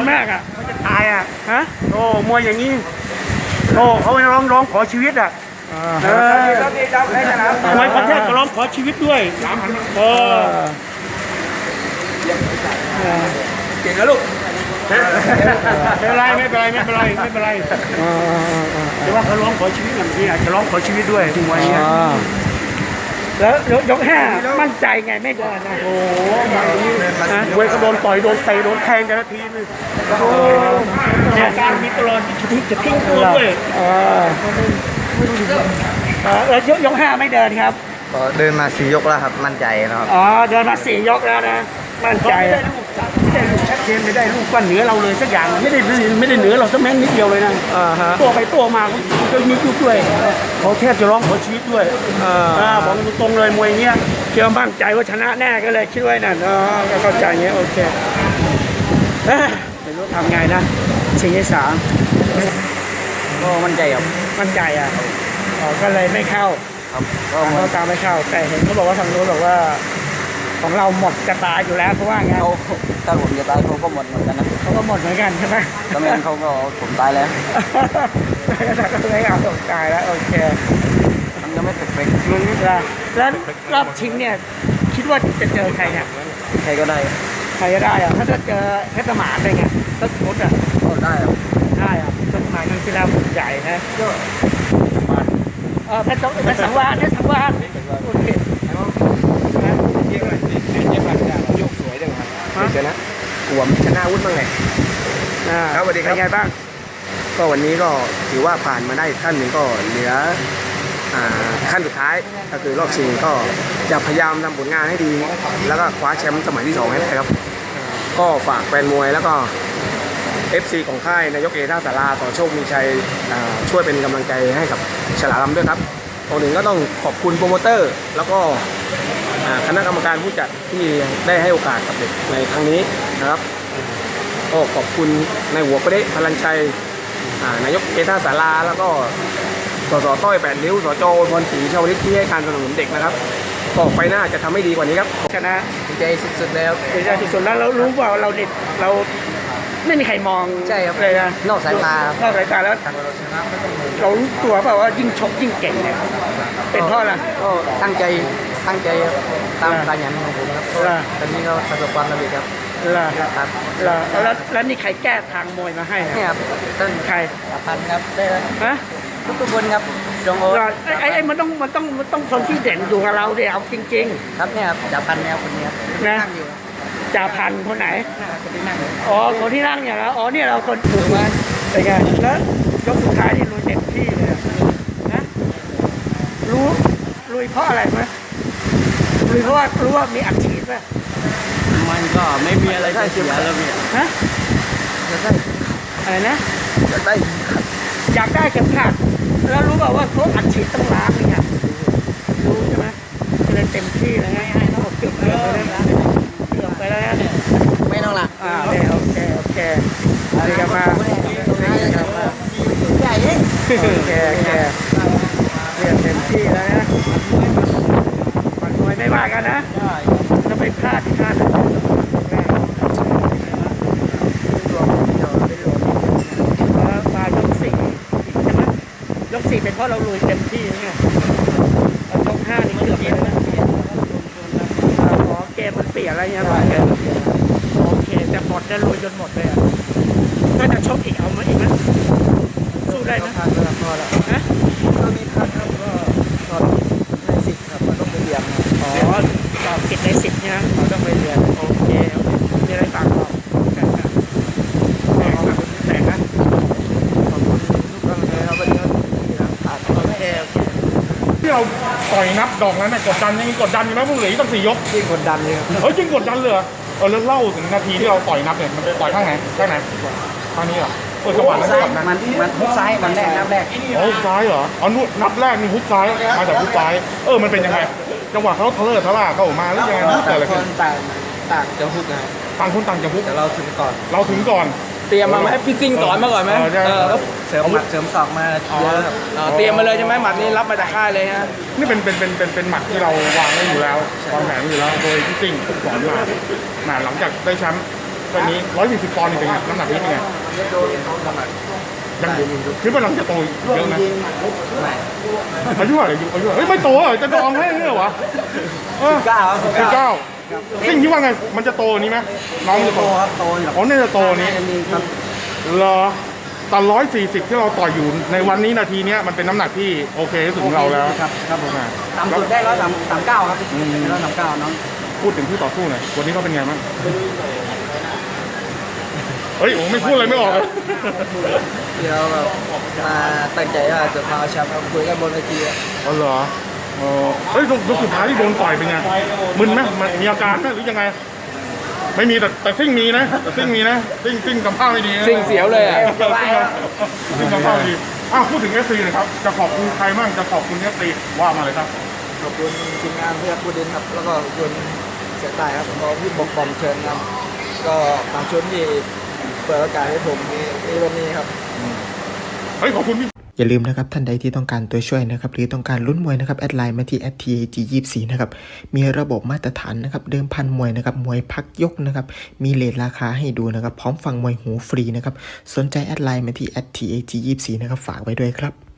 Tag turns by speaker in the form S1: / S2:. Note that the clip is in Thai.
S1: มากอ่ะ
S2: เขาจะตายอ่ะ
S1: ฮะ
S2: โอ้มวยอย่างนี้โอ้เขาไปร้องขอชีวิตอ่ะมวยประเทศก็ร้องขอชีวิตด้วยเออเก่งนะลูกไม่เป็นไรไม่เป็นไรไม่เป็นไรไม่เป็นไรแต่ว่าเขาร้องขอชีวิตอย่างนี้อาจจะร้องขอชีวิตด้วยมวยเนี่ย
S1: แล้วยกห้ามั่นใจไงไม่เดินนะ
S2: โอ้มวยก็โดนต่อยโดนเตะโดนแทงแต่ละทีนึงเนี่ยการมีตลอดจะทิ้งตัวด้วย
S1: แล้วยกห้าไม่เดินครับ
S3: ก็เดินมา4 ยกแล้วครับมั่นใจนะครับ
S1: อ๋อเดินมา4 ยกแล้วนะมั่นใจ
S2: ไม่ได้ลูกชัดเจนไม่ได้ลูกว่าเหนือเราเลยสักอย่างไม่ได้เหนือเราสักแม้นิดเดียวเลยนะตัวไปตัวมาก็มียุบด้วยเขาแทบจะร้องขอชีวิตด้วยบอกตรงเลยมวยเงี้ย
S1: เชื่อมั่นใจว่าชนะแน่ก็เลยคิดไว้นั่นก็เข้าใจเงี้ยโอเคไม่รู้ทำไงนะชิงที่3
S3: ก็มั่นใจครับ
S1: มั่นใจอ่ะก็เลยไม่เข้า
S3: ครับก็
S1: เขาตามไม่เข้าแต่เห็นเขาบอกว่าทางนู้นบอกว่าของเราหมดจะตายอยู่แล้วเขาว่าไง
S3: ถ้าผมจะตายเขาก็หมดเหมือนกันนะ
S1: เขาก็หมดเหมือนกันใช่ไหม
S3: ตอนนั้นเขาก็ผมตายแล้ว
S1: ก็เลยเอาผมตายแล้วโอเค
S3: มันยังไม่เสร็จ
S1: แล้วรอบชิงเนี่ยคิดว่าจะเจอใครเนี่ย
S3: ใครก็ได้
S1: ใครก็ได้อะถ้าจะเจอเพชรสมานได้ไงต้นพุทธอ่ะ
S3: ก็ได้ครับ
S1: ได้อ่ะต้นสมานครั้งที่แล้วใหญ่นะก็เพชรสังวาสโอเค
S2: ยกสวยจังครับชนะกวมชนะวุฒิบ้างไงครับสวัสดีครับ
S1: ไงบ้าง
S2: ก็วันนี้ก็ถือว่าผ่านมาได้ขั้นหนึ่งก็เหลือขั้นสุดท้ายก็คือรอบชิงก็จะพยายามทำผลงานให้ดีแล้วก็คว้าแชมป์สมัยที่2ให้ได้ครับก็ฝากแฟนมวยแล้วก็ FC ของค่ายนายกเอท่าสาราต่อโชคมีชัยช่วยเป็นกำลังใจให้กับฉลามด้วยครับตัวหนึ่งก็ต้องขอบคุณโปรโมเตอร์แล้วก็คณะกรรมการผู้จัดที่ได้ให้โอกาสกับเด็กในครั้งนี้นะครับก็ขอบคุณนายหัวประเดชพลันชัยนายกเอท่าสาราแล้วก็สสต้อย8 ริ้วสจพรศรีชาวลิตที่ให้การสนับสนุนเด็กนะครับก็ไปหน้าจะทำให้ดีกว่านี้ครับ
S1: ชนะ
S3: ดีใจสุดๆแล้ว
S1: ดีใจสุดๆแล้วเรารู้ว่าเราเนี่ยเราไม่มีใครมอง
S3: ใช่ครับ
S1: เลยนะ
S3: นอกสายตาน
S1: อกสายตาแล้วเรารู้ตัวเปล่าว่ายิ่งชกยิ่งเก่งเนี่ยเป็นเพราะอะไร
S3: ก็ตั้งใจตามการยันของผมครับตอนนี้ก็ประสบความสำเร็จครับ
S1: ครับแล้วนี่ใครแก้ทางมวยมาให้
S3: เนี่ยครับต้น
S1: ใคร
S3: พันครับได้
S1: ฮะ
S3: ทุกคนครับจงโอ
S1: ไอ้มันต้องคนที่เด่นอยู่กับเราเดี๋ยวเอาจริง
S3: ๆครับเนี่ยครับจ่าพันเนี่ยคนนี้
S1: นะจ่าพันคนไหนอ๋อคนที่นั่งเนี่ยแล้วอ๋อเนี่ยเราคนถูกไหมเป็นไงแล้วยกสุดท้ายนี่ลุยเต็มที่เลยนะลุยเพราะอะไรไหมลุยเพราะว่ารู้ว่ามีอัดฉีดป่ะ
S3: มันก็ไม่มีอะไรจะเสียแล้วพี่
S1: ฮะอะไรนะอยากได้เข็มขัดแล้วรู้เปล่าว่าเขาอัดฉีดต้องล้างเนี่ยรู้ใช่ไหมเลยเต็มที่เลยให้เขาเกือบไปแล้ว
S3: ไม่ต้องละ
S1: โอเคอะไรกันมา
S3: ใหญ่
S1: โอเคเรียนเต็มที่แล้วนะมันไม่ว่ากันนะจะไปพลาดที่พลาดมายก4ใช่ไหมยก4เป็นเพราะเราลุยเต็มที่ไงแล้วยก5นี่เกือบเลยนะเกมมันเปลี่ยนอะไรเงี้ยโอเคแต่หมดจะลุยจนหมดเลยอ่ะถ้าจะชกอีกเอามาอีกไหมสู้ได้ไหม
S3: พอแล้ว
S1: นะ
S3: ตอนนี้ครับก็สอบใน10ครับมันต้องไปเรียน
S1: สอบติดใน10เนี่ย
S3: เราต้องไปเรียน
S1: โอเคมีอะไรฝากบอกแต่นะ
S3: ขอบคุณทุกคนเลยครับวันนี้
S1: โอเค
S2: ที่เราต่อยนับดอกนั้นกดดันยังกดดันอยู่ไหมพวกเหลือต้อง4 ยก
S3: ยิ่งกดดันเลยครับ
S2: จริงกดดันเลยแล้วเล่าถึงนาทีที่เราต่อยนับเนี่ยมันต่อยข้างไหนข้างนี้เหรอจังหวะนั้นก่อนนะ
S3: มันฮุกซ้ายมันนับแรก
S2: ฮุกซ้ายเหรอนับแรกนี่ฮุกซ้ายมาจากฮุกซ้ายมันเป็นยังไงจังหวะเขาทะเลทะล่าเข้ามาหรือยังไง
S3: แต่ละคนต่างจะฮุกนะ
S2: ต่างคนต่างจะฮุก
S3: แต่เราถึงก่
S2: อน
S3: เตรียมมาไหมพี่ซิงสอนมาก่อนไหมเสริมหมัดเสริมศอกมาเยอะเตรียมมาเลยใช่ไหมหมัดนี้รับมาจากค่ายเลยฮะ
S2: นี่เป็นหมัดที่เราวางไว้อยู่แล้ววางแผนอยู่แล้วโดยพี่ซิงสอนมาหลังจากได้แชมป์
S4: แบบนี้140 ปอนด์นี่เป็นไงน้ำหนักนี้เป็นไงยังคิดว่าเราจะโตเยอะไหมอายุเท่าไหร่อายุเฮ้ยไม่โตเหรอจะดองให้เหรอวะ19สิ่งที่ว่าไงมันจะโตนี้ไหมน้องจะโตครับโตอยู่อ๋อเนี่ยจะโตนี้เหรอแต่140ที่เราต่อยอยู่ในวันนี้นาทีเนี้ยมันเป็นน้ำหนักที่โอเคที่สุดของเราแล้วครับผม
S3: ต่ำสุดได้139ครับ139น้อง
S4: พูดถึงที่ต่อสู้หน่อยวันนี้เขาเป็นไงบ้างเฮ้ยผมไม่พูดอะไรไม่ออกเลย
S3: เดี๋ยวแบบมาตั้งใจว่าจะมาเอาแชมป์ครับคุยกันบนเวที
S4: อ๋อเหรอเฮ้ยยกสุดท้ายที่โดนต่อยเป็นไงมึนไหมมีอาการไหมหรือยังไงไม่มีแต่ซิ่งมีนะซิ่งมีนะซิ่งกำพ้าไม่ดี
S3: ซิ่งเสียวเลยอ่ะ
S4: ซิ่งกำพ้าไม่ดีพูดถึงFCหน่อยครับจะขอบคุณใครบ้างจะขอบคุณFCว่ามาเลยครับ
S3: ขอบคุณทีมงานเพื่อนผู้ดินครับแล้วก็ขอบคุณเสียตายครับก็พี่บกบอมเชิญครับก็บางชุดที่เปิดโอกาสให้ผมในวันนี้ครับ
S4: เฮ้ยขอบคุณพี่
S5: อย่าลืมนะครับท่านใดที่ต้องการตัวช่วยนะครับหรือต้องการลุ้นมวยนะครับแอดไลน์มาที่ @TAG24 นะครับมีระบบมาตรฐานนะครับเดิมพันมวยนะครับมวยพักยกนะครับมีเรทราคาให้ดูนะครับพร้อมฟังมวยหูฟรีนะครับสนใจแอดไลน์มาที่ @TAG24 นะครับฝากไว้ด้วยครับ